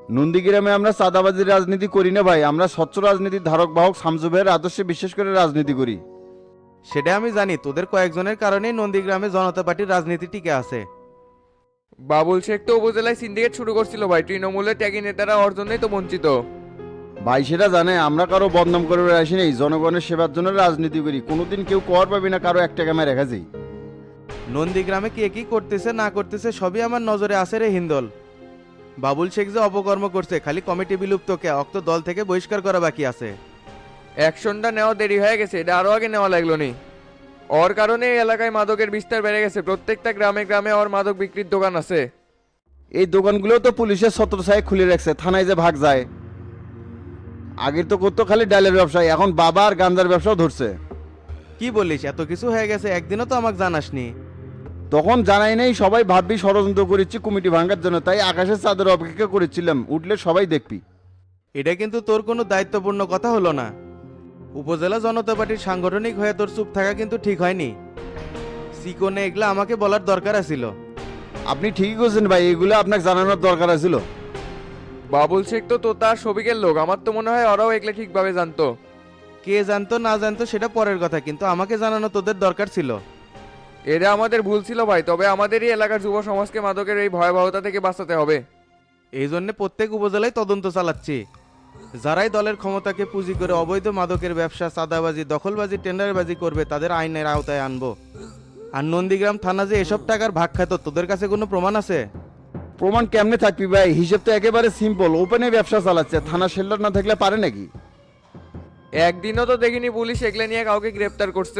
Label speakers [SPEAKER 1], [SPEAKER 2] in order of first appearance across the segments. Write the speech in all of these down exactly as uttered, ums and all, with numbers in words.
[SPEAKER 1] নন্দীগ্রামে আমরা চাঁদাবাজির রাজনীতি করি না ভাই, আমরা স্বচ্ছ রাজনীতির ধারক বাহক শামসু ভাইয়ের আদর্শে বিশ্বাস করে রাজনীতি করি।
[SPEAKER 2] সেটা আমি জানি, তোদের কয়েকজনের কারণেই নন্দীগ্রামে জনতা পার্টির রাজনীতি টিকে আছে।
[SPEAKER 3] বাবুল শেখ তো উপজেলায় সিন্ডিকেট শুরু করছিল ভাই, তৃণমূলের ত্যাগী নেতারা ওর জন্যই তো বঞ্চিত।
[SPEAKER 1] ভাই সেটা জানে, আমরা কারো বদনাম করে আসি নেই, জনগণের সেবার জন্য রাজনীতি করি। কোনোদিন কেউ কর পাবি না কারো এক টাকা মেরে রেখা যাই।
[SPEAKER 2] নন্দীগ্রামে কে কি করতেছে না করতেছে সবই আমার নজরে আছে রে হিন্দল। বাবুল শেখ যে অপকর্ম করছে, খালি কমিটি বিলুপ্তকে অক্ত দল থেকে বহিষ্কার করা বাকি আছে।
[SPEAKER 3] অ্যাকশনটা নেওয়া দেরি হয়ে গেছে, এটা আরো আগে নেওয়া লাগলো নি। ওর কারণে এই এলাকায় মাদকের বিস্তার বেড়ে গেছে, প্রত্যেকটা গ্রামে গ্রামে ওর মাদক বিক্রির দোকান আছে।
[SPEAKER 1] এই দোকানগুলো তো পুলিশের ছত্রছায়ায় খুলে রাখছে, থানায় যে ভাগ যায়। আগের তো করতো খালি ডালের ব্যবসায়, এখন বাবা আর গাঞ্জার ব্যবসাও ধরছে।
[SPEAKER 2] কি বলিস, এত কিছু হয়ে গেছে, একদিনও তো আমাকে জানাসনি।
[SPEAKER 1] তখন জানাই নেই, সবাই ভাববি ষড়যন্ত্র করেছি কমিটি ভাঙার জন্য, তাই আকাশের চাঁদের অপেক্ষা করেছিলাম, উঠলে সবাই দেখবি।
[SPEAKER 2] এটা কিন্তু তোর কোনো দায়িত্বপূর্ণ কথা হলো না। উপজেলা জনতা পার্টির সাংগঠনিক হয়ে তোর চুপ থাকা কিন্তু ঠিক হয়নি। সিকোনে এগুলা আমাকে বলার দরকার আছিল।
[SPEAKER 1] আপনি ঠিকই করছেন ভাই, এগুলো আপনাকে জানানোর দরকার ছিল।
[SPEAKER 3] বাবুল শেখ তো তো তার সবিকের লোক, আমার তো মনে হয় ওরাও এগুলো ঠিকভাবে জানতো।
[SPEAKER 2] কে জানতো না জানতো সেটা পরের কথা, কিন্তু আমাকে জানানো তোদের দরকার ছিল।
[SPEAKER 3] এটা আমাদের ভুল ছিল ভাই, তবে আমাদেরই এলাকার যুব সমাজকে মাদকের এই ভয়াবহতা থেকে বাঁচাতে হবে।
[SPEAKER 2] এই জন্য প্রত্যেক উপজেলায় তদন্ত চালাচ্ছি। যারাই দলের ক্ষমতাকে পুঁজি করে অবৈধ মাদকের ব্যবসা, চাঁদাবাজি, দখলবাজি, টেন্ডারবাজি করবে তাদের আইনের আওতায় আনবো। আর নন্দীগ্রাম থানা যে এসব টাকার ভাগ খাত, তোদের কাছে কোনো প্রমাণ আছে?
[SPEAKER 1] প্রমাণ কেমনে থাকবি ভাই, হিসেব তো একেবারে সিম্পল, ওপেনে ব্যবসা চালাচ্ছে, থানা শেল্টার না থাকলে পারে নাকি?
[SPEAKER 3] একদিনও তো দেখিনি পুলিশ এগুলো নিয়ে কাউকে গ্রেপ্তার করছে।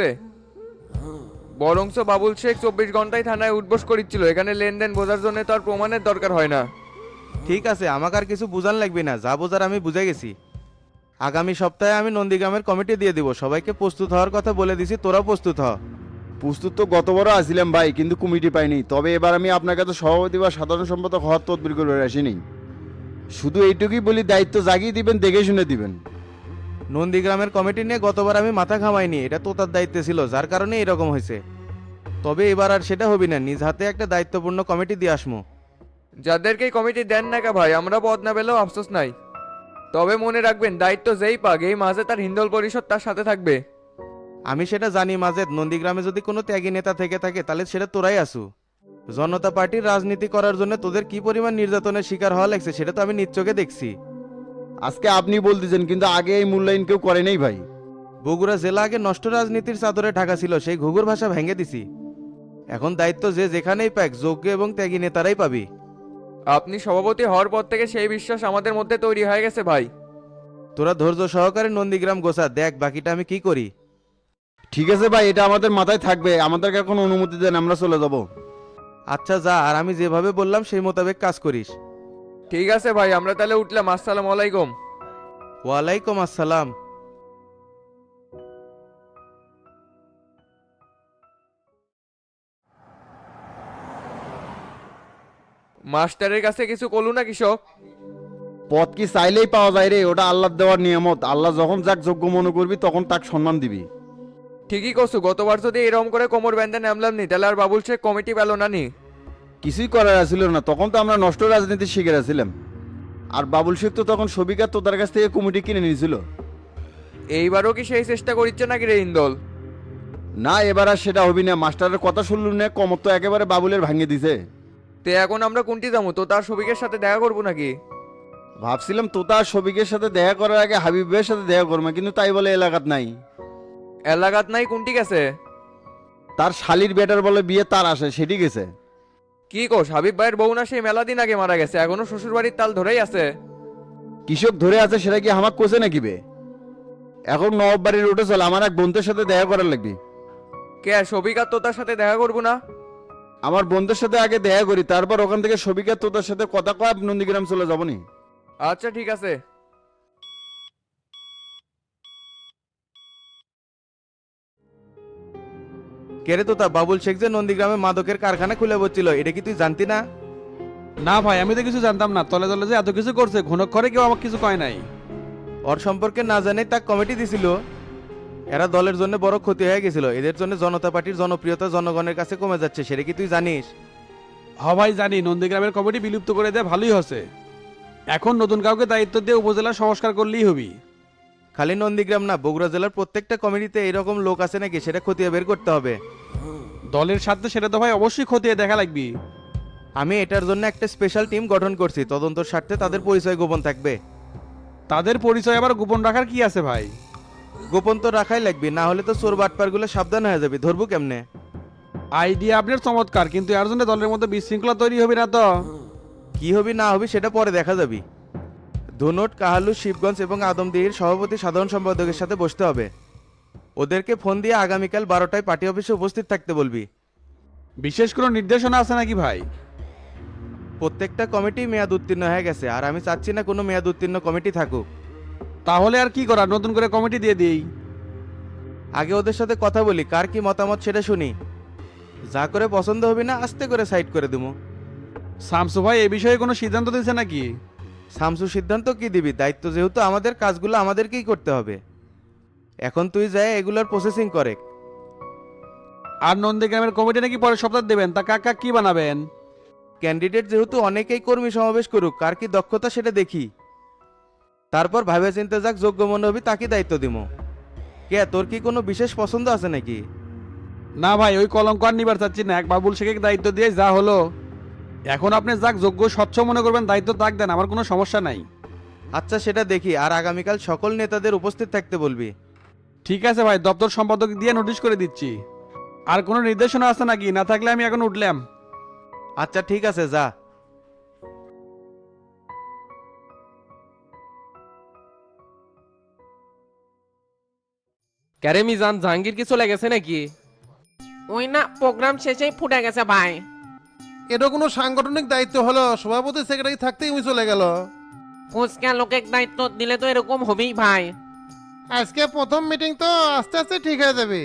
[SPEAKER 3] বরংস বাবুল শেখ চব্বিশ ঘন্টায় থানায় উঠবোস করিচ্ছিল, এখানে লেনদেন বোঝার জন্য তো আর প্রমাণের দরকার হয় না।
[SPEAKER 2] ঠিক আছে, আমাকে আর কিছু বুঝান লাগবে না, যা বোঝার আমি বুঝে গেছি। আগামী সপ্তাহে আমি নন্দীগ্রামের কমিটি দিয়ে দিব, সবাইকে প্রস্তুত হওয়ার কথা বলে দিছি, তোরাও প্রস্তুত হ।
[SPEAKER 1] প্রস্তুত তো গতবারও আসছিলাম ভাই, কিন্তু কমিটি পাইনি। তবে এবার আমি আপনার কাছে সভাপতি বা সাধারণ সম্পাদক হওয়ার তদবির করে আসিনি। শুধু এইটুকুই বলি, দায়িত্ব জাগিয়ে দিবেন, দেখে শুনে দিবেন।
[SPEAKER 2] নন্দীগ্রামের কমিটি নিয়ে গতবার আমি মাথা ঘামাইনি, এটা তো তার দায়িত্বে ছিল, যার কারণে এরকম হয়েছে। তবে এবার আর সেটা হবি না, নিজ হাতে একটা দায়িত্বপূর্ণ কমিটি দিয়ে আসমু।
[SPEAKER 3] যাদেরকেই কমিটি দেন না কা ভাই, আমরা পদ না পেলেও আফসোস নাই। তবে মনে রাখবেন, দায়িত্ব যেই পাক এই মাঝে তার হিন্দল পরিষদ তার সাথে থাকবে।
[SPEAKER 2] আমি সেটা জানি মাজেদ, নন্দীগ্রামে যদি কোনো ত্যাগী নেতা থেকে থাকে তাহলে সেটা তোরাই আসু। জনতা পার্টির রাজনীতি করার জন্য তোদের কি পরিমাণ নির্যাতনের শিকার হওয়া লাগছে সেটা তো আমি নিজ চোখে দেখছি।
[SPEAKER 1] আজকে আপনি বলতেছেন, কিন্তু আগে এই মূল্যায়ন কেউ করে নাই ভাই।
[SPEAKER 2] বগুড়া জেলা আগে নষ্ট রাজনীতির চাদরে ঢাকা ছিল, সেই ঘুঘুর ভাষা ভেঙে দিছি। এখন দায়িত্ব যে যেখানেই পাক, যোগ্য এবং ত্যাগী নেতারাই পাবি।
[SPEAKER 3] আপনি সভাপতি হওয়ার পর থেকে সেই বিশ্বাস আমাদের মধ্যে তৈরি হয়ে গেছে ভাই।
[SPEAKER 2] তোরা ধৈর্য সহকারে নন্দীগ্রাম গোছা, দেখ বাকিটা আমি কি করি।
[SPEAKER 1] ঠিক আছে ভাই, এটা আমাদের মাথায় থাকবে, আমাদেরকে এখন অনুমতি দেন, আমরা চলে যাব।
[SPEAKER 2] আচ্ছা যা, আর আমি যেভাবে বললাম সেই মোতাবেক কাজ করিস।
[SPEAKER 3] ঠিক আছে ভাই, আমরা তাহলে উঠলাম। আসসালামু আলাইকুম।
[SPEAKER 2] ওয়ালাইকুম আসসালাম।
[SPEAKER 3] মাস্টারের কাছে কিছু কলু না কৃষক?
[SPEAKER 1] পদ কি চাইলেই পাওয়া যায় রে, ওটা আল্লাহ দেওয়ার নিয়ামত। আল্লাহ যখন যাক যোগ্য মনে করবি তখন তাকে সম্মান দিবি।
[SPEAKER 3] ঠিকই করছু, গতবার যদি এরকম করে কোমর বেঁধে নামলাম নি তাহলে আর বাবুল শেখ কমিটি পেল না নি।
[SPEAKER 1] কিছুই করার ছিল না, তখন তো আমরা নষ্ট রাজনীতি শিখে ছিলাম। আর বাবুল শেখ তো তখন সবিকা তোদের কাছ থেকে কমিটি কিনে নিয়েছিল।
[SPEAKER 3] এইবারও কি সেই চেষ্টা করিচ্ছে নাকি রে ইন্দল?
[SPEAKER 1] না, এবার আর সেটা হবি না। মাস্টারের কথা শুনলু না, কমত তো একেবারে বাবুলের ভাঙিয়ে দিছে।
[SPEAKER 3] তে এখন আমরা কোনটি যাবো, তো তার সবিকের সাথে দেখা করবো নাকি?
[SPEAKER 1] ভাবছিলাম তো তার সবিকের সাথে দেখা করার আগে হাবিবের সাথে দেখা করবো, কিন্তু তাই বলে এলাকাত নাই।
[SPEAKER 3] এলাকাত নাই কোনটি গেছে?
[SPEAKER 1] তার শালির বেটার বলে বিয়ে তার আসে, সেটি গেছে।
[SPEAKER 3] কি কোস, হাবিব ভাইয়ের বউ না সেই মেলা দিন আগে মারা গেছে, এখনো শ্বশুর বাড়ির তাল ধরেই আছে।
[SPEAKER 1] কৃষক ধরে আছে, সেটা কি আমাকে কোসে নাকি বে? এখন নবাব বাড়ির উঠে চল, আমার এক বন্ধুর সাথে দেখা করার লাগবে।
[SPEAKER 3] কে সবিক আর তোতার সাথে দেখা করবো না?
[SPEAKER 1] আমার বন্ধুর সাথে আগে দেখা করি, তারপর ওখান থেকে সবিকা তোতার সাথে কথা কয় নন্দীগ্রাম চলে যাবো নি।
[SPEAKER 3] আচ্ছা ঠিক আছে।
[SPEAKER 2] কেরে তোতা, বাবুল শেখ যে নন্দীগ্রামে মাদকের কারখানা খুলে বসছিল, এটা কি তুই জানতি না?
[SPEAKER 4] না ভাই, আমি তো কিছু জানতাম না। তলে তলে যে এত কিছু করছে, ঘনক্ষরে কেউ আমাকে কিছু কয় নাই।
[SPEAKER 2] ওর সম্পর্কে না জানে তা কমিটি দিছিল। এরা দলের জন্য বড় ক্ষতি হয়ে গেছিল, এদের জন্য জনতা পার্টির জনপ্রিয়তা জনগণের কাছে কমে যাচ্ছে, সেটা কি তুই জানিস?
[SPEAKER 4] হ ভাই জানি, নন্দীগ্রামের কমিটি বিলুপ্ত করে দেয় ভালোই হচ্ছে। এখন নতুন কাউকে দায়িত্ব দিয়ে উপজেলা সংস্কার করলেই হবি।
[SPEAKER 2] খালি নন্দীগ্রাম না, বগুড়া জেলার প্রত্যেকটা কমিটিতে এরকম লোক আছে নাকি সেটা খতিয়ে বের করতে হবে।
[SPEAKER 4] দলের সাথে সেটা তো ভাই অবশ্যই খতিয়ে দেখা লাগবে।
[SPEAKER 2] আমি এটার জন্য একটা স্পেশাল টিম গঠন করছি, তদন্তর স্বার্থে তাদের পরিচয় গোপন থাকবে।
[SPEAKER 4] তাদের পরিচয় আবার গোপন রাখার কি আছে ভাই?
[SPEAKER 2] গোপন তো রাখাই লাগবে, না হলে তো চোর বাটপারগুলো সাবধান হয়ে যাবে, ধরবো কেমনে?
[SPEAKER 4] আইডিয়া আপনার চমৎকার, কিন্তু এর জন্য দলের মধ্যে বিশৃঙ্খলা তৈরি হবে না তো?
[SPEAKER 2] কি হবি না হবি সেটা পরে দেখা যাবে। ধুনট, কাহালু, শিবগঞ্জ এবং আদমদিহির সভাপতি সাধারণ সম্পাদকের সাথে বসতে হবে। ওদেরকে ফোন দিয়ে আগামীকাল বারোটায় পার্টি অফিসে উপস্থিত থাকতে বলবি।
[SPEAKER 4] বিশেষ কোনো নির্দেশনা আছে নাকি ভাই?
[SPEAKER 2] প্রত্যেকটা কমিটি মেয়াদ উত্তীর্ণ হয়ে গেছে, আর আমি চাচ্ছি না কোনো মেয়াদ উত্তীর্ণ কমিটি থাকুক।
[SPEAKER 4] তাহলে আর কি করা, নতুন করে কমিটি দিয়ে দিই।
[SPEAKER 2] আগে ওদের সাথে কথা বলি, কার কি মতামত সেটা শুনি। যা করে পছন্দ হবে না আস্তে করে সাইড করে দেবো।
[SPEAKER 4] শামসু ভাই এই বিষয়ে কোনো সিদ্ধান্ত দিয়েছে নাকি?
[SPEAKER 2] শামসু সিদ্ধান্ত কি দিবি? দায়িত্ব যেহেতু আমাদের, কাজগুলো আমাদেরকেই করতে হবে। এখন তুই যায় এগুলোর প্রসেসিং করে।
[SPEAKER 4] আর নন্দীগ্রামের কমিটি নাকি পরের সপ্তাহ দেবেন, তা কাকা কি বানাবেন?
[SPEAKER 2] ক্যান্ডিডেট যেহেতু অনেকেই কর্মী সমাবেশ করুক, কার কি দক্ষতা সেটা দেখি, তারপর ভাবে চিন্তে যাক যোগ্য মনে হবি তাকে দায়িত্ব দিব। কে, তোর কি কোনো বিশেষ পছন্দ আছে নাকি?
[SPEAKER 4] না ভাই, ওই কলঙ্ক আর নিবার চাচ্ছি না, এক বাবুল শেখকে দায়িত্ব দিয়ে যা হলো। এখন আপনি যাক যোগ্য স্বচ্ছ মনে করবেন দায়িত্ব তাক দেন, আমার কোনো সমস্যা নাই।
[SPEAKER 2] আচ্ছা সেটা দেখি, আর আগামীকাল সকল নেতাদের উপস্থিত থাকতে বলবি।
[SPEAKER 4] ঠিক আছে ভাই, দপ্তর সম্পাদক দিয়ে নোটিশ করে দিচ্ছি। আর কোনো নির্দেশনা আছে নাকি? না থাকলে আমি এখন উঠলাম।
[SPEAKER 2] আচ্ছা ঠিক আছে, যা।
[SPEAKER 5] ক্যারে মিজান, জাহাঙ্গীর কি চলে গেছে নাকি?
[SPEAKER 6] ওই না, প্রোগ্রাম শেষেই ফুটে গেছে ভাই।
[SPEAKER 7] এটা কোনো সাংগঠনিক দায়িত্ব হলো? সভাপতি সেক্রেটারি থাকতেই উনি চলে গেল।
[SPEAKER 6] ফুচকা লোকের দায়িত্ব দিলে তো এরকম হবেই ভাই।
[SPEAKER 7] আজকে প্রথম মিটিং তো, আস্তে আস্তে ঠিক হয়ে যাবে।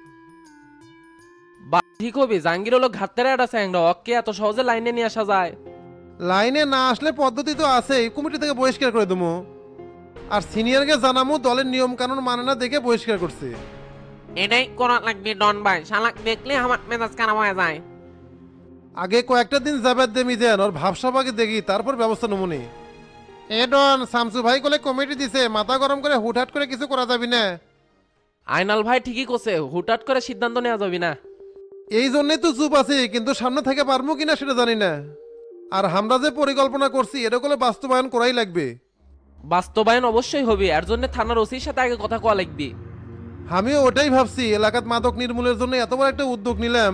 [SPEAKER 5] বা ঠিক হবে, জাহাঙ্গীর হলো ঘাটতেরা একটা স্যাংরা, অকে এত সহজে লাইনে নিয়ে আসা যায়?
[SPEAKER 7] লাইনে না আসলে পদ্ধতি তো আছেই, কমিটি থেকে বহিষ্কার করে দেবো। আর সিনিয়রকে জানামু দলের নিয়ম কানুন মানে না দেখে বহিষ্কার করছে।
[SPEAKER 6] এটাই করা লাগবে ডন ভাই, শালাক দেখলে আমার মেজাজ খারাপ হয়ে যায়।
[SPEAKER 7] আগে কয়েকটা দিন যাবার দে মিজান, ওর ভাবসাবাকে দেখি, তারপর ব্যবস্থা নমুনি। এ ডন, শামসু ভাই কোলে কমিটি দিছে, মাথা গরম করে হুটহাট করে কিছু করা যাবি না।
[SPEAKER 5] আইনাল ভাই ঠিকই করছে, হুটহাট করে সিদ্ধান্ত নেওয়া যাবে না।
[SPEAKER 7] এই জন্যই তো চুপ আছি, কিন্তু সামনে থেকে পারবো কিনা সেটা জানি না। আর আমরা যে পরিকল্পনা করছি এটা করে বাস্তবায়ন করাই লাগবে।
[SPEAKER 5] বাস্তবায়ন অবশ্যই হবে, এর জন্য থানার ওসির সাথে আগে কথা কওয়া লাগবে।
[SPEAKER 7] আমিও ওটাই ভাবছি, এলাকাত মাদক নির্মূলের জন্য এত বড় একটা উদ্যোগ নিলাম,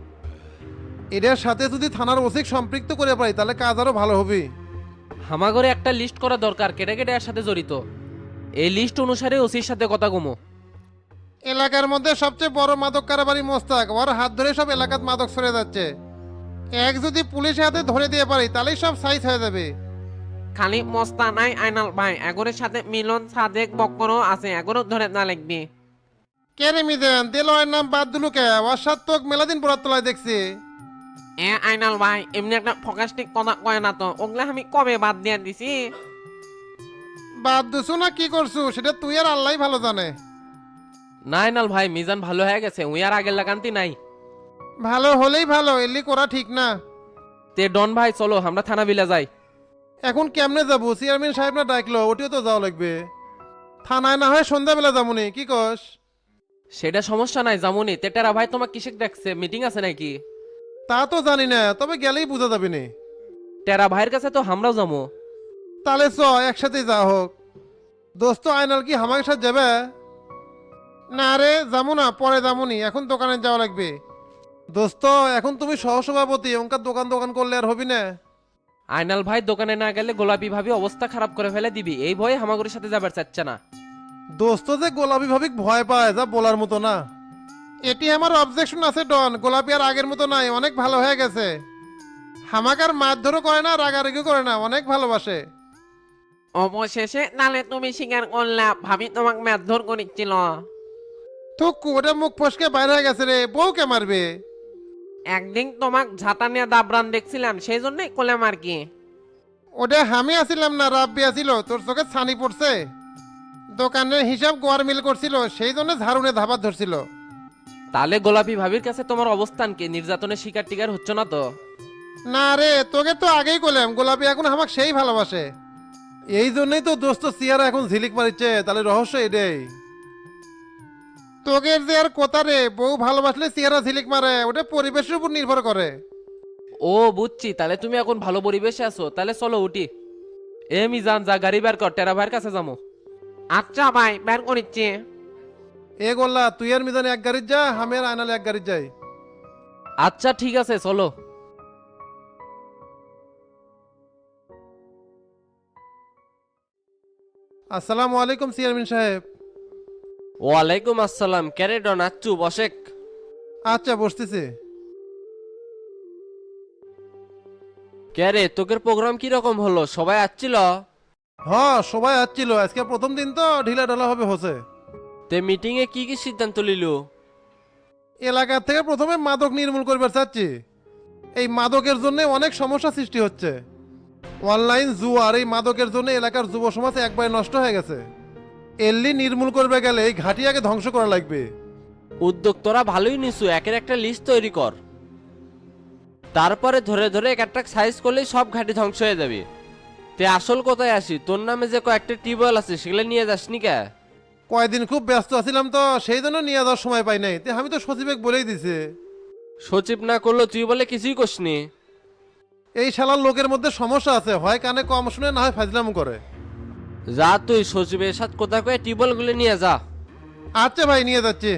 [SPEAKER 7] এটার সাথে যদি থানার ওসিক সম্পৃক্ত করে পাই তাহলে কাজ আরো ভালো হবে।
[SPEAKER 5] হামাগরে একটা লিস্ট করা দরকার, কেটে কেটে এর সাথে জড়িত। এই লিস্ট অনুসারে ওসির সাথে কথা কমো।
[SPEAKER 7] এলাকার মধ্যে সবচেয়ে বড় মাদক কারবারি মোস্তাক, ওর হাত ধরে সব এলাকাত মাদক সরে যাচ্ছে। এক যদি পুলিশের হাতে ধরে দিয়ে পারি তাহলেই সব সাইজ হয়ে যাবে।
[SPEAKER 6] খালি মস্তা নাই আইনাল ভাই, এগোরের সাথে মিলন সাদেক বক্করও আছে, এগোরও ধরে না লাগবে।
[SPEAKER 7] কে রে মিদেন, দেলোয়ার নাম বাদ দিলু কে? ওর সাত তোক মেলাদিন পরার তলায় দেখছি।
[SPEAKER 6] এ আইনাল ভাই, এমনি একটা ফকাস্টিক কথা কয় না তো, ওগুলা আমি কবে বাদ দিয়ে দিছি।
[SPEAKER 7] বাদ দিছু না কি করছু সেটা তুই আর আল্লাহ ভালো জানে।
[SPEAKER 5] না আইনাল ভাই, মিজান ভালো হয়ে গেছে, উই আর আগের লাগান্তি নাই।
[SPEAKER 7] ভালো হলেই ভালো, এলি করা ঠিক না।
[SPEAKER 5] তে ডন ভাই চলো আমরা থানা বিলা যাই।
[SPEAKER 7] এখন কেমনে যাবো? চেয়ারম্যান সাহেব না ডাকলো, ওটিও তো যাওয়া লাগবে। থানায় না হয় সন্ধ্যাবেলা যাবনি, কি কস?
[SPEAKER 5] সেটা সমস্যা নাই, জামুনি। তেটারা ভাই তোমার কিসে ডাকছে, মিটিং আছে নাকি?
[SPEAKER 7] তা তো জানি না, তবে গেলেই বোঝা যাবে নি।
[SPEAKER 5] টেরা ভাইয়ের কাছে তো আমরাও যাবো।
[SPEAKER 7] তাহলে চ একসাথে যা হোক। দোস্ত আয়নাল কি আমার সাথে যাবে? না রে, যাবো না, পরে যাবনি, এখন দোকানে যাওয়া লাগবে। দোস্ত এখন তুমি সহসভাপতি, ওনকার দোকান দোকান করলে আর হবি না।
[SPEAKER 5] আইনাল ভাই দোকানে না গেলে গোলাপি ভাবি অবস্থা খারাপ করে ফেলে দিবি, এই ভয়ে হামাগুড়ির সাথে যাবার চাচ্ছে না।
[SPEAKER 7] দোস্ত যে গোলাপি ভাবিক ভয় পায় যা বলার মতো না। এটি আমার অবজেকশন আছে ডন, গোলাপি আর আগের মতো নাই, অনেক ভালো হয়ে গেছে। হামাকার মারধরও করে না, রাগারাগিও করে না, অনেক ভালোবাসে।
[SPEAKER 6] অবশেষে নালে তুমি স্বীকার করলা ভাবি তোমাকে মারধর করেছিল।
[SPEAKER 7] তো কোটা মুখ ফসকে বাইরে হয়ে গেছে রে, বউ কে মারবে?
[SPEAKER 6] একদিন তোমাক ঝাঁটা নিয়ে দাবরান দেখছিলাম, সেই জন্যই করলাম আর কি।
[SPEAKER 7] ওটা আমি আসিলাম না, রাব্বি আসিল, তোর চোখে ছানি পড়ছে। দোকানের হিসাব গোয়ার মিল করছিল, সেই জন্য ঝাড়ুনে ধাবাত ধরছিল।
[SPEAKER 5] তাহলে গোলাপি ভাবির কাছে তোমার অবস্থান কি? নির্যাতনের শিকার টিকার হচ্ছে না তো?
[SPEAKER 7] না রে, তোকে তো আগেই করলাম, গোলাপি এখন আমাকে সেই ভালোবাসে। এই জন্যই তো দোস্ত সিয়ারা এখন ঝিলিক মারিচ্ছে, তাহলে রহস্য এটাই। তোগের যে আর কথা রে, বউ ভালোবাসলে সিয়ারা ঝিলিক মারে, ওটা পরিবেশের উপর নির্ভর করে।
[SPEAKER 5] ও বুঝছি, তাহলে তুমি এখন ভালো পরিবেশে আছো, তাহলে চলো উঠি। এ মিজান, যা গাড়ি বের কর, টেরা ভাইয়ের কাছে যাবো।
[SPEAKER 6] আচ্ছা ভাই, বের করিচ্ছি।
[SPEAKER 7] এ গোল্লা, তুই আর মিজান এক গাড়ির যা, আমি আর আয়নাল এক গাড়ির যাই।
[SPEAKER 5] আচ্ছা ঠিক আছে, চলো।
[SPEAKER 7] আসসালামু আলাইকুম চেয়ারম্যান সাহেব।
[SPEAKER 5] ওয়ালাইকুম আসসালাম। ক্যারে ডন আচ্ছু বসেক।
[SPEAKER 7] আচ্ছা বসতেছি।
[SPEAKER 5] ক্যারে, তোকের প্রোগ্রাম কি রকম হলো? সবাই আসছিল?
[SPEAKER 7] হ্যাঁ সবাই আসছিল, আজকে প্রথম দিন তো ঢিলা ঢালা হবে হচ্ছে।
[SPEAKER 5] তে মিটিং এ কি কি সিদ্ধান্ত লিলু?
[SPEAKER 7] এলাকা থেকে প্রথমে মাদক নির্মূল করবার চাচ্ছি। এই মাদকের জন্য অনেক সমস্যা সৃষ্টি হচ্ছে। অনলাইন জুয়া আর এই মাদকের জন্য এলাকার যুব সমাজ একবারে নষ্ট হয়ে গেছে। এল্লি নির্মূল করবে গেলে এই ঘাটিয়াকে ধ্বংস করা লাগবে।
[SPEAKER 5] উদ্যোগ তোরা ভালোই নিছু, একের একটা লিস্ট তৈরি কর। তারপরে ধরে ধরে এক একটা সাইজ করলেই সব ঘাটি ধ্বংস হয়ে যাবে। তে আসল কোথায় আসি, তোর নামে যে কয়েকটা টিউবওয়েল আছে সেগুলো নিয়ে যাসনি কে?
[SPEAKER 7] কয়দিন খুব ব্যস্ত আছিলাম তো, সেই জন্য নিয়ে যাওয়ার সময় পাই নাই। তে আমি তো সচিবেক বলেই দিছি।
[SPEAKER 5] সচিব না করলো তুই বলে কিছুই করসনি?
[SPEAKER 7] এই শালার লোকের মধ্যে সমস্যা আছে, হয় কানে কম শুনে, না হয় ফাজলাম করে।
[SPEAKER 5] যা তুই সচিবের সাথে কথা কয়ে টিউবওয়েল গুলো নিয়ে যা।
[SPEAKER 7] আচ্ছা ভাই, নিয়ে যাচ্ছি।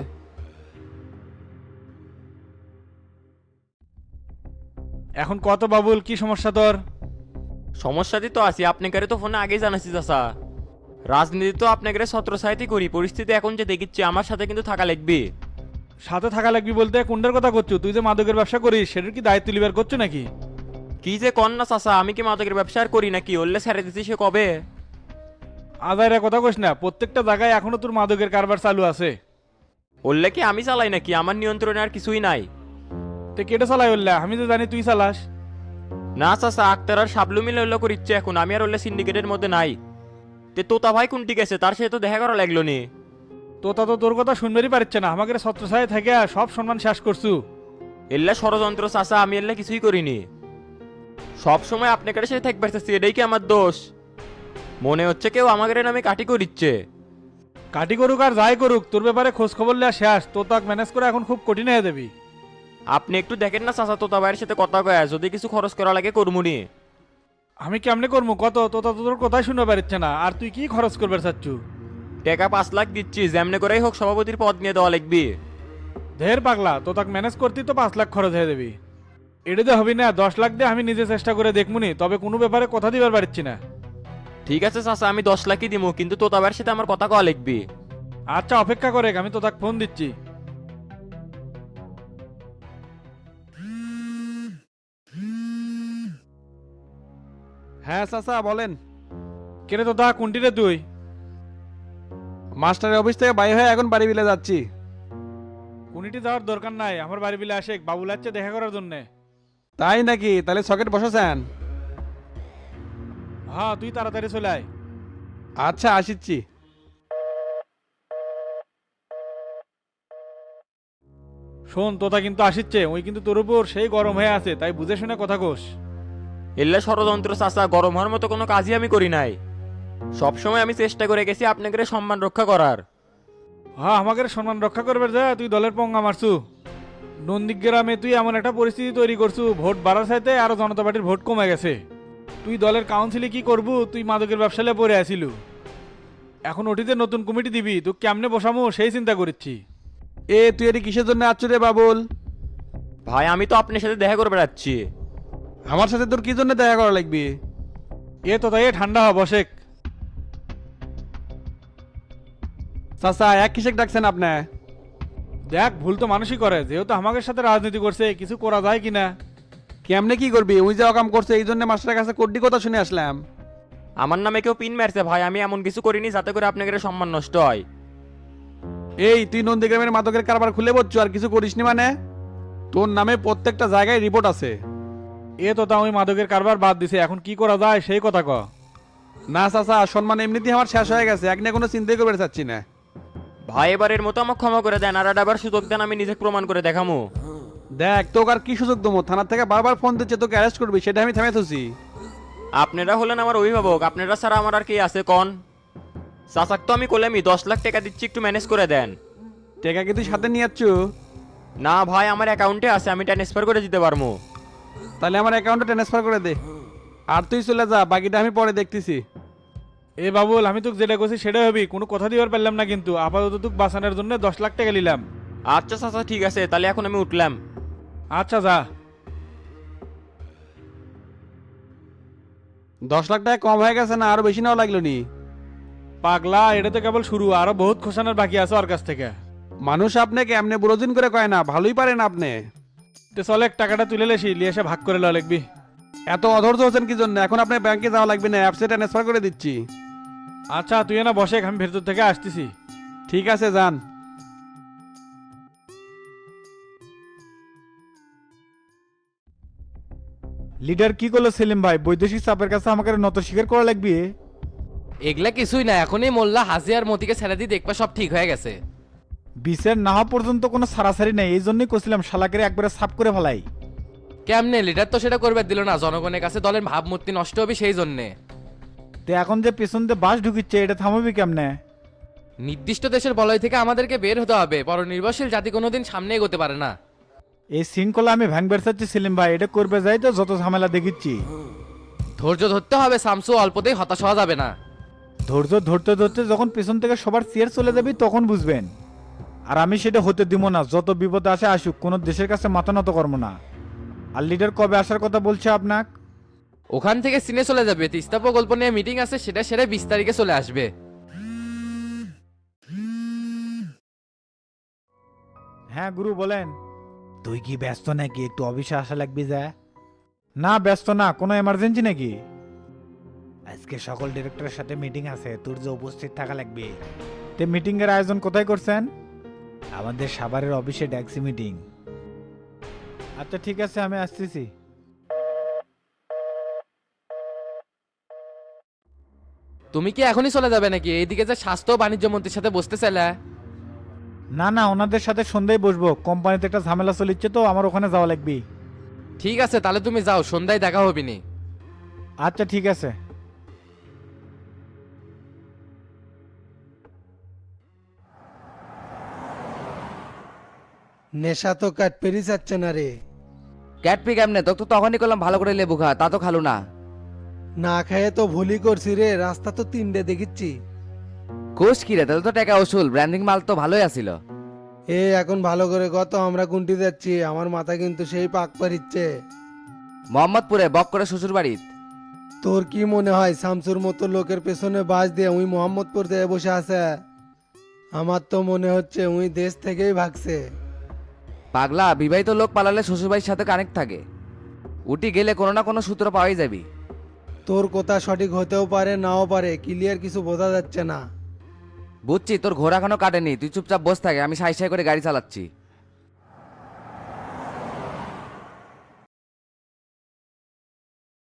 [SPEAKER 4] এখন কত বাবুল, কি সমস্যা তোর?
[SPEAKER 8] সমস্যাতে তো আছি, আপনাকে তো ফোনে আগেই জানাচ্ছি চাচা। রাজনীতি তো আপনাকে ছত্র সাহিত্যই করি, পরিস্থিতি এখন যে দেখিচ্ছি আমার সাথে কিন্তু থাকা লাগবে।
[SPEAKER 4] সাথে থাকা লাগবি বলতে কোনটার কথা করছো? তুই যে মাদকের ব্যবসা করিস সেটার কি দায়িত্ব লিবার করছো নাকি?
[SPEAKER 8] কি যে কর না চাচা, আমি কি মাদকের ব্যবসা আর করি নাকি? ওল্লে ছেড়ে দিচ্ছি সে কবে।
[SPEAKER 4] আদায়রা কথা কইস না, প্রত্যেকটা জায়গায় এখনো তোর মাদকের কারবার চালু আছে।
[SPEAKER 8] ওল্লে কি আমি চালাই নাকি? আমার নিয়ন্ত্রণে আর কিছুই নাই।
[SPEAKER 4] তে কেটে চালাই উল্লা? আমি তো জানি তুই চালাস।
[SPEAKER 8] না চাচা, আক্তার আর সাবলু মিলে ওল্লা করিচ্ছে এখন, আমি আর ওল্লে সিন্ডিকেটের মধ্যে নাই। তে তোতা ভাই কোনটি গেছে, তার সাথে তো দেখা করা লাগলো নি।
[SPEAKER 4] তোতা তো তোর কথা শুনবেরই পারছে না, আমাকে ছত্রছায় থেকে সব সম্মান শেষ করছু।
[SPEAKER 8] এল্লা ষড়যন্ত্র চাচা, আমি এল্লা কিছুই করিনি। সব সময় আপনাকে সাথে থাকবে চাচ্ছি, এটাই কি আমার দোষ? মনে হচ্ছে কেউ আমাদের নামে কাটি করিচ্ছে।
[SPEAKER 4] কাটি করুক আর যাই করুক, তোর ব্যাপারে খোঁজ খবর লিয়া শেষ। তোতাক ম্যানেজ করে এখন খুব কঠিন হয়ে যাবি।
[SPEAKER 8] আপনি একটু দেখেন না চাচা, তোতা ভাইয়ের সাথে কথা কয়া, যদি কিছু খরচ করা লাগে করমুনি।
[SPEAKER 4] আমি কেমনে করবো কত? তোতা তো তোর কথাই শুনতে পারছে না, আর তুই কি খরচ করবে চাচ্ছু?
[SPEAKER 8] টাকা পাঁচ লাখ দিচ্ছি, যেমনে করেই হোক সভাপতির পদ নিয়ে দেওয়া লাগবে।
[SPEAKER 4] ঢের পাগলা, তোতাক ম্যানেজ করতেই তো পাঁচ লাখ খরচ হয়ে যাবি। এটা তো হবি না, দশ লাখ দিয়ে আমি নিজে চেষ্টা করে দেখমুনি, তবে কোনো ব্যাপারে কথা দিবার পারছি না।
[SPEAKER 8] ঠিক আছে চাচা, আমি দশ লাখই দিব, কিন্তু তোতা ভাইয়ের সাথে আমার কথা কওয়া লাগবে।
[SPEAKER 4] আচ্ছা অপেক্ষা করে, আমি তোতাক ফোন দিচ্ছি। হ্যাঁ চাচা বলেন। কেরে তোতা, কোনটি রে তুই? মাস্টারের অফিস থেকে বাইরে হয়ে এখন বাড়ি বিলে যাচ্ছি। কোনটি যাওয়ার দরকার নাই, আমার বাড়ি বিলে আসে, বাবু লাগছে দেখা করার জন্য। তাই নাকি? তাহলে সকেট বসাছেন? হ্যাঁ, তুই তাড়াতাড়ি চলে আয়। আচ্ছা আসিচ্ছি। শোন, তোতা কিন্তু আসিচ্ছে, ওই কিন্তু তোর উপর সেই গরম হয়ে আছে, তাই বুঝে শুনে কথা কোস।
[SPEAKER 8] এল্লা ষড়যন্ত্র চাচা, গরম হওয়ার মতো কোনো কাজই আমি করি নাই। সবসময় আমি চেষ্টা করে গেছি আপনাকে সম্মান রক্ষা করার।
[SPEAKER 4] হ্যাঁ, আমাকে সম্মান রক্ষা করবে যা, তুই দলের পঙ্গা মারছু। নন্দীগ্রামে তুই এমন একটা পরিস্থিতি তৈরি করছু, ভোট বাড়ার সাথে আরো জনতা পার্টির ভোট কমে গেছে। তুই দলের কাউন্সিলে কি করবু? তুই মাদকের ব্যবসালে পড়ে আসিল, এখন ওটিতে নতুন কমিটি দিবি, তুই কেমনে বসামো সেই চিন্তা করছি। এ তুই এটি কিসের জন্য আসছো রে বাবুল?
[SPEAKER 8] ভাই আমি তো আপনার সাথে দেখা করে বেড়াচ্ছি।
[SPEAKER 4] আমার সাথে তোর কি জন্য দেখা করা লাগবে? এ তো তাই ঠান্ডা হ, বসেক। চাচা এক কিসেক ডাকছেন আপনি? দেখ, ভুল তো মানুষই করে, যেহেতু আমাদের সাথে রাজনীতি করছে, কিছু করা যায় কিনা। কেমনে কি করবি? ওই যে অকাম করছে, এই জন্য মাস্টারের কাছে কোড্ডি কথা শুনে আসলাম।
[SPEAKER 8] আমার নামে কেউ পিন মারছে ভাই, আমি এমন কিছু করিনি যাতে করে আপনাকে সম্মান নষ্ট হয়।
[SPEAKER 4] এই তুই নন্দীগ্রামের মাদকের কারবার খুলে বলছো আর কিছু করিসনি মানে? তোর নামে প্রত্যেকটা জায়গায় রিপোর্ট আছে। এ তো তা ওই মাদকের কারবার বাদ দিছে, এখন কি করা যায় সেই কথা ক। না চাচা, সম্মান এমনিতেই আমার শেষ হয়ে গেছে, এক নিয়ে কোনো চিন্তাই করতে চাচ্ছি না।
[SPEAKER 8] ভাই এবারের মতো আমাকে ক্ষমা করে দেন, আর আবার সুযোগ দেন, আমি নিজে প্রমাণ করে দেখামু।
[SPEAKER 4] দেখ তোকে আর কি সুযোগ দেবো? থানার থেকে বারবার ফোন দিচ্ছে, তোকে অ্যারেস্ট করবি, সেটা আমি থেমে থুছি।
[SPEAKER 8] আপনারা হলেন আমার অভিভাবক, আপনারা ছাড়া আমার আর কি আছে কন? চাচাক তো আমি করলামই দশ লাখ টাকা দিচ্ছি, একটু ম্যানেজ করে দেন।
[SPEAKER 9] টাকা কি তুই সাথে নিয়ে যাচ্ছ?
[SPEAKER 8] না ভাই, আমার অ্যাকাউন্টে আছে, আমি ট্রান্সফার করে দিতে পারবো।
[SPEAKER 9] তাহলে আমার অ্যাকাউন্টে ট্রান্সফার করে দে, আর তুই চলে যা, বাকিটা আমি পরে দেখতেছি।
[SPEAKER 4] এ বাবুল, আমি তোকে যেটা করছি সেটা হবি, কোনো কথা দিবার পারলাম না, কিন্তু আপাতত তোকে বাঁচানোর জন্য দশ লাখ টাকা নিলাম।
[SPEAKER 8] আচ্ছা চাচা ঠিক আছে, তাহলে এখন আমি উঠলাম।
[SPEAKER 4] আচ্ছা যা।
[SPEAKER 9] দশ লাখ টাকা কম হয়ে গেছে না, আরো বেশি নেওয়া লাগলো নি?
[SPEAKER 4] পাগলা, এটা তো কেবল শুরু, আরো বহুত খোসানোর বাকি আছে ওর কাছ থেকে।
[SPEAKER 9] মানুষ আপনাকে এমনি বুড়োদিন করে কয় না, ভালোই পারেন আপনি।
[SPEAKER 4] তো চলে টাকাটা তুলে লেসি, লিয়ে এসে ভাগ করে লওয়া লিখবি।
[SPEAKER 9] এত অধৈর্য হচ্ছেন কি জন্য? এখন আপনার ব্যাংকে যাওয়া লাগবে না, অ্যাপসে ট্রান্সফার করে দিচ্ছি।
[SPEAKER 4] আচ্ছা তুই না বসে, আমি ভেতর থেকে আসতেছি।
[SPEAKER 9] ঠিক আছে, যান।
[SPEAKER 10] লিডার কি করলো সেলিম ভাই? বৈদেশিক চাপের কাছে আমাকে নত স্বীকার করা লাগবে।
[SPEAKER 5] এগুলা কিছুই না, এখনই মোল্লা হাজি আর মতিকে ছেড়ে দিয়ে দেখবা সব ঠিক হয়ে গেছে।
[SPEAKER 10] বিচার না হওয়া পর্যন্ত কোনো সারাসারি নেই, এই জন্যই করছিলাম শালাকের একবারে সাফ করে ফেলাই।
[SPEAKER 5] কেমনে লিডার তো সেটা করবে দিল না, জনগণের কাছে দলের ভাবমূর্তি নষ্ট হবে সেই জন্যে।
[SPEAKER 10] তো এখন যে পেছন দিয়ে বাস ঢুকিচ্ছে, এটা থামাবি কেমনে?
[SPEAKER 5] নির্দিষ্ট দেশের বলয় থেকে আমাদেরকে বের হতে হবে, পরনির্ভরশীল জাতি কোনোদিন সামনে এগোতে পারে না।
[SPEAKER 10] এই শৃঙ্খলা আমি ভাঙবার চাচ্ছি সেলিম ভাই, এটা করবে যাই তো যত ঝামেলা দেখিচ্ছি।
[SPEAKER 5] ধৈর্য ধরতে হবে শামসু, অল্পতেই হতাশ হওয়া যাবে না।
[SPEAKER 10] ধৈর্য ধরতে ধরতে যখন পেছন থেকে সবার চেয়ার চলে যাবি তখন বুঝবেন। আর আমি সেটা হতে দিব না, যত বিপদ আসে আসুক, কোনো দেশের কাছে মাথা নত করবো না। আর লিডার কবে আসার কথা বলছে আপনাক?
[SPEAKER 5] ওখান থেকে সিনে চলে যাবে, তিস্তা প্রকল্প নিয়ে মিটিং আছে, সেটা সেরে বিশ তারিখে চলে আসবে।
[SPEAKER 10] হ্যাঁ গুরু বলেন। তুই কি ব্যস্ত নাকি? একটু অফিসে আসা লাগবে যা। না ব্যস্ত না, কোনো এমার্জেন্সি নাকি? আজকে সকল ডিরেক্টরের সাথে মিটিং আছে, তোর যে উপস্থিত থাকা লাগবে। তে মিটিং এর আয়োজন কোথায় করছেন? আমাদের সাভারের অফিসে ড্যাক্সি মিটিং। আচ্ছা ঠিক আছে, আমি আসতেছি।
[SPEAKER 5] তুমি কি এখনই চলে যাবে নাকি? এইদিকে যে স্বাস্থ্য ও বাণিজ্য মন্ত্রীর সাথে বসতে চাইলে।
[SPEAKER 10] না না, ওনাদের সাথে সন্ধ্যায় বসবো, কোম্পানিতে একটা ঝামেলা চলিচ্ছে তো, আমার ওখানে যাওয়া লাগবে।
[SPEAKER 5] ঠিক আছে তাহলে তুমি যাও, সন্ধ্যায় দেখা হবে নি।
[SPEAKER 10] আচ্ছা ঠিক আছে।
[SPEAKER 11] নেশা তো কাট পেরি যাচ্ছে না রে।
[SPEAKER 5] ক্যাটপি কেমনে? তোকে তো তখনই করলাম ভালো করে লেবু খা, তা তো খালু না।
[SPEAKER 11] না খেয়ে তো ভুলই করছি রে, রাস্তা তো তিনটে দেখিচ্ছি।
[SPEAKER 5] কোষ কি রে, তাহলে তো টাকা ওসুল, ব্র্যান্ডিং মাল তো ভালোই আসিল।
[SPEAKER 11] এ এখন ভালো করে কত আমরা গুনটি যাচ্ছি, আমার মাথা কিন্তু সেই পাক পারিচ্ছে।
[SPEAKER 5] মোহাম্মদপুরে বক করে শ্বশুর বাড়ির।
[SPEAKER 11] তোর কি মনে হয় শামসুর মতো লোকের পেছনে বাস দিয়ে উই মোহাম্মদপুর দিয়ে বসে আছে? আমার তো মনে হচ্ছে উই দেশ থেকেই ভাগছে।
[SPEAKER 5] পাগলা, বিবাহিত লোক পালালে শ্বশুরবাড়ির সাথে কানেক্ট থাকে, উটি গেলে কোনো না কোনো সূত্র পাওয়াই যাবি।
[SPEAKER 11] তোর কথা সঠিক হতেও পারে নাও পারে, ক্লিয়ার কিছু বোঝা যাচ্ছে না।
[SPEAKER 5] বুঝছি, তোর ঘোড়া এখনো কাটেনি, তুই চুপচাপ বস থাকে, আমি সাই সাই করে গাড়ি চালাচ্ছি।